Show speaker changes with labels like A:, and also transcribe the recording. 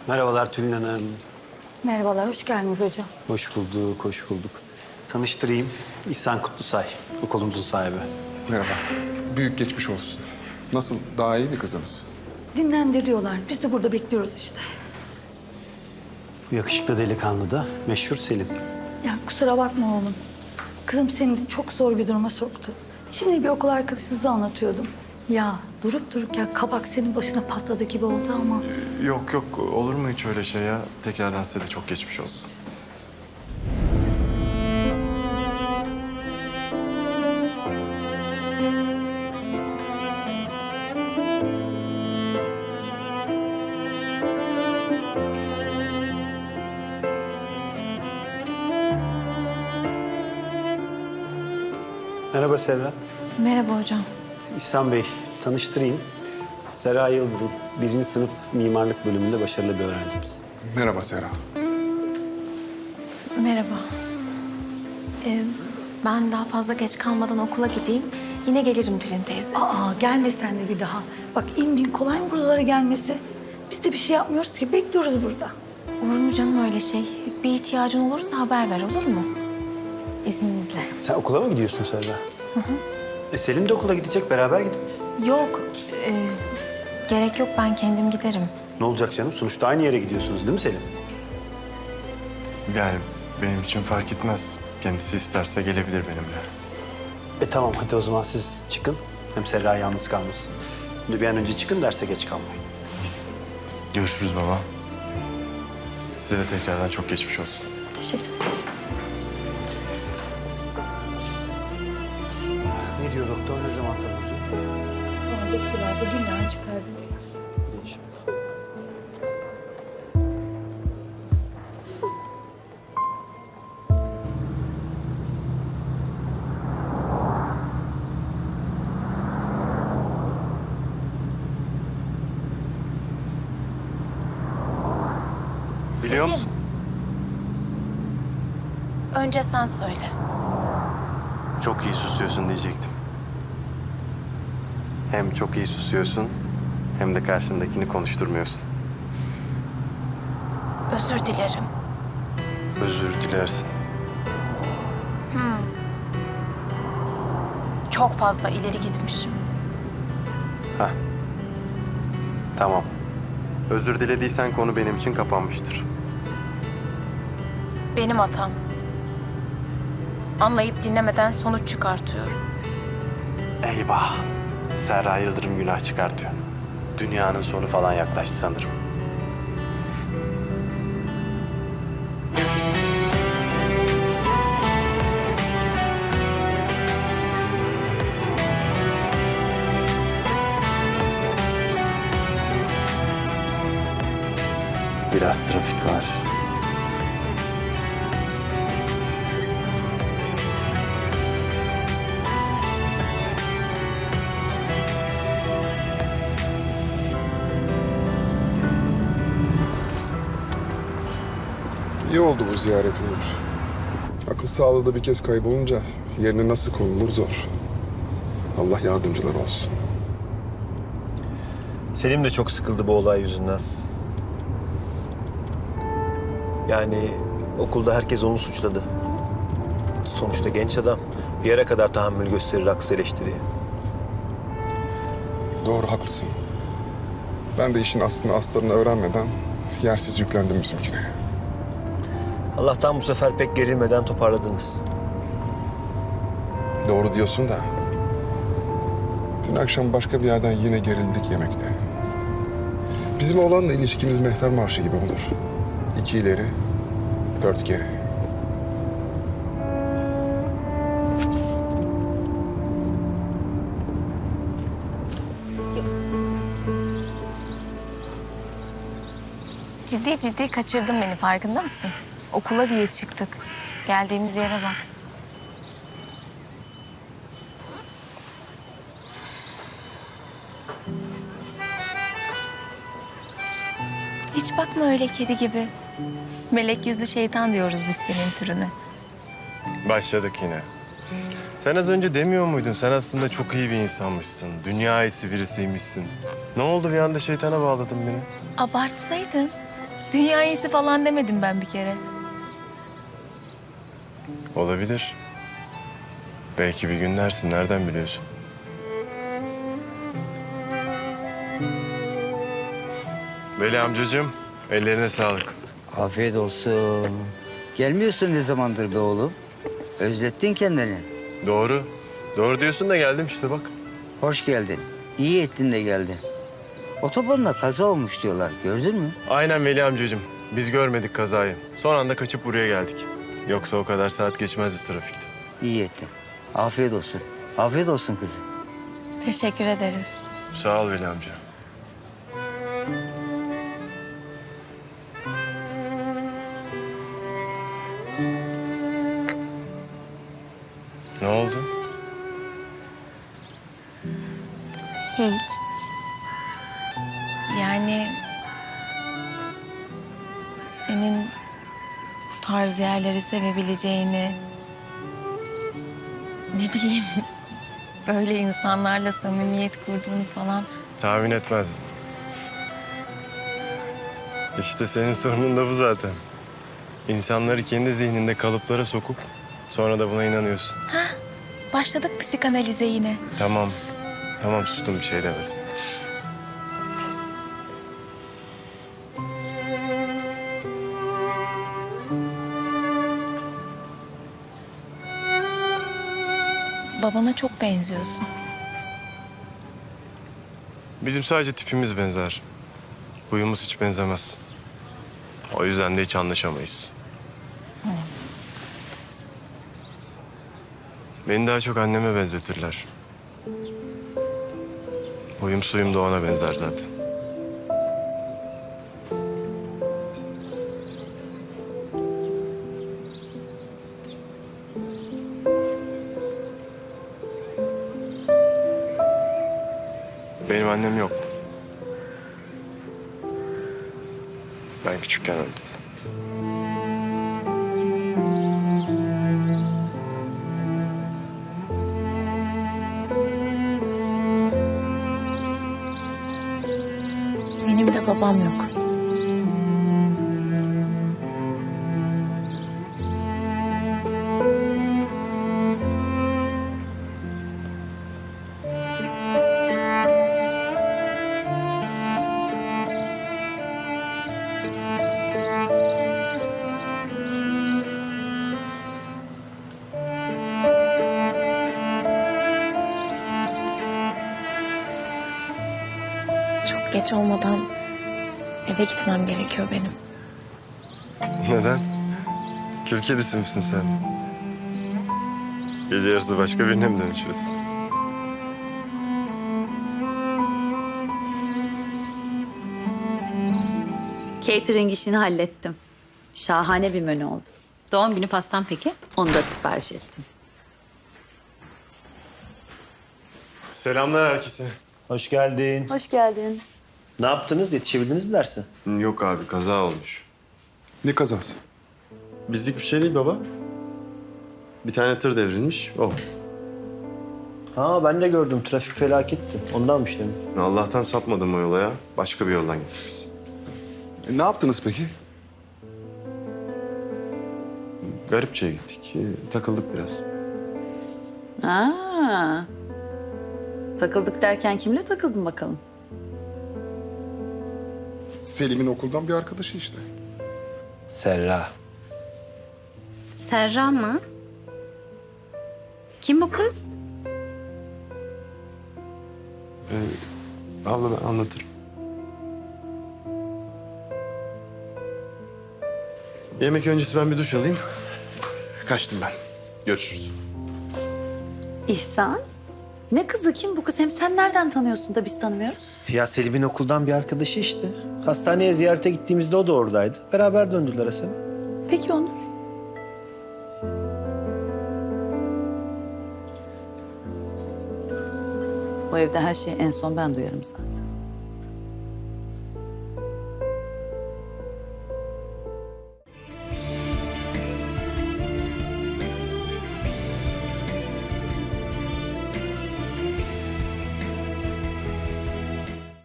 A: Merhabalar Tülin Hanım.
B: Merhabalar, hoş geldiniz hocam.
A: Hoş bulduk, hoş bulduk. Tanıştırayım. İhsan Kutlusay, okulumuzun sahibi.
C: Merhaba. Büyük geçmiş olsun. Nasıl? Daha iyi mi kızınız?
B: Dinlendiriyorlar. Biz de burada bekliyoruz işte.
A: Bu yakışıklı delikanlı da meşhur Selim.
B: Ya kusura bakma oğlum. Kızım seni çok zor bir duruma soktu. Şimdi bir okul arkadaşınıza anlatıyordum. Ya durup dururken kabak senin başına patladı gibi oldu ama.
D: Yok yok, olur mu hiç öyle şey ya? Tekrardan size de çok geçmiş olsun.
A: Merhaba Serra.
E: Merhaba hocam.
A: İhsan Bey, tanıştırayım. Serra Yıldırım, 1. sınıf mimarlık bölümünde başarılı bir öğrencimiz.
C: Merhaba Serra.
E: Merhaba. Ben daha fazla geç kalmadan okula gideyim. Yine gelirim Tülin teyze.
B: Aa gelme sen de bir daha. Bak in bin kolay mı buralara gelmesi? Biz de bir şey yapmıyoruz ki bekliyoruz burada.
E: Olur mu canım öyle şey? Bir ihtiyacın olursa haber ver, olur mu? İzninizle.
A: Sen okula mı gidiyorsun Serra? Selim de okula gidecek, beraber gidin.
E: Yok, gerek yok, ben kendim giderim.
A: Ne olacak canım? Sonuçta aynı yere gidiyorsunuz değil mi Selim?
D: Yani benim için fark etmez. Kendisi isterse gelebilir benimle.
A: Tamam, hadi o zaman siz çıkın. Hem Serra yalnız kalmasın. Şimdi bir an önce çıkın, derse geç kalmayın.
D: Görüşürüz baba. Size de tekrardan çok geçmiş olsun.
B: Teşekkür
A: Ne diyor doktor? Ne zaman taburcu?
B: Doktorlar da günler çıkardı.
A: İnşallah.
D: Biliyor
E: Selim,
D: musun?
E: önce sen söyle.
D: Çok iyi susuyorsun diyecektim. Hem çok iyi susuyorsun hem de karşındakini konuşturmuyorsun.
E: Özür dilerim.
D: Özür dilersin.
E: Çok fazla ileri gitmişim.
D: Hah. Tamam. Özür dilediysen konu benim için kapanmıştır.
E: Benim hatam. Anlayıp dinlemeden sonuç çıkartıyorum.
D: Eyvah. Serra Yıldırım günah çıkartıyor. Dünyanın sonu falan yaklaştı sanırım. Biraz trafik var.
C: İyi oldu bu ziyaret Onur. Akıl sağlığı da bir kez kaybolunca yerine nasıl konulur zor. Allah yardımcılar olsun.
F: Selim de çok sıkıldı bu olay yüzünden. Yani okulda herkes onu suçladı. Sonuçta genç adam bir yere kadar tahammül gösterir haksız eleştiriye.
C: Doğru, haklısın. Ben de işin aslını astarını öğrenmeden yersiz yüklendim bizimkine.
F: Allah'tan bu sefer pek gerilmeden toparladınız.
C: Doğru diyorsun da. Dün akşam başka bir yerden yine gerildik yemekte. Bizim oğlanla ilişkimiz mehter marşı gibi olur. 2 ileri, 4 geri.
E: Ciddi ciddi kaçırdın beni, farkında mısın? Okula diye çıktık. Geldiğimiz yere bak. Hiç bakma öyle kedi gibi. Melek yüzlü şeytan diyoruz biz senin türüne.
D: Başladık yine. Sen az önce demiyor muydun? Sen aslında çok iyi bir insanmışsın. Dünya iyisi birisiymişsin. Ne oldu bir anda şeytana bağladın beni?
E: Abartsaydın. Dünya iyisi falan demedim ben bir kere.
G: Olabilir. Belki bir gün dersin, nereden biliyorsun? Veli amcacığım, ellerine sağlık.
H: Afiyet olsun. Gelmiyorsun ne zamandır be oğlum? Özlettin kendini.
G: Doğru. Doğru diyorsun da geldim işte bak.
H: Hoş geldin. İyi ettin de geldin. Otobanda kaza olmuş diyorlar. Gördün mü?
G: Aynen Veli amcacığım. Biz görmedik kazayı. Son anda kaçıp buraya geldik. Yoksa o kadar saat geçmezdi trafikte.
H: İyi ettin. Afiyet olsun. Afiyet olsun kızım.
E: Teşekkür ederiz.
G: Sağ ol Veli amca. Ne oldu?
E: Hiç. Yani senin bu tarz yerleri sevebileceğini, ne bileyim, böyle insanlarla samimiyet kurduğunu falan.
G: Tahmin etmezdin. İşte senin sorunun da bu zaten. İnsanları kendi zihninde kalıplara sokup sonra da buna inanıyorsun.
E: Başladık psikanalize yine.
G: Tamam. Tamam sustum, bir şey demedim.
E: Babana çok benziyorsun.
G: Bizim sadece tipimiz benzer. Huyumuz hiç benzemez. O yüzden de hiç anlaşamayız. Beni daha çok anneme benzetirler. Huyum suyum da ona benzer zaten. Benim annem yok. Ben küçükken öldü.
E: Benim de babam yok. Çok geç olmadan eve gitmem gerekiyor benim.
G: Neden? Kül kedisi misin sen? Gece yarısı başka birine mi dönüşüyorsun?
I: Catering işini hallettim. Şahane bir menü oldu. Doğum günü pastam peki? Onu da sipariş ettim.
G: Selamlar herkese.
A: Hoş geldin.
B: Hoş geldin.
A: Ne yaptınız? Yetişebildiniz mi derse?
G: Yok abi, kaza olmuş.
C: Ne kazası?
G: Bizlik bir şey değil baba. Bir tane tır devrilmiş, o.
A: Ha ben de gördüm. Trafik felaketti. Ondanmış demin.
G: Allah'tan sapmadım o yola ya. Başka bir yoldan gittik biz.
C: Ne yaptınız peki?
G: Garipçe'ye gittik. Takıldık biraz.
I: Aa, takıldık derken kimle takıldın bakalım?
C: Selim'in okuldan bir arkadaşı işte.
A: Serra.
I: Serra mı? Kim bu kız?
G: Abla ben anlatırım. Yemek öncesi ben bir duş alayım. Kaçtım ben. Görüşürüz.
I: İhsan. Ne kızı, kim bu kız? Hem sen nereden tanıyorsun da biz tanımıyoruz?
A: Ya Selim'in okuldan bir arkadaşı işte. Hastaneye ziyarete gittiğimizde o da oradaydı. Beraber döndüler Hasan'a.
I: Peki Onur. Bu evde her şeyi en son ben duyarım zaten.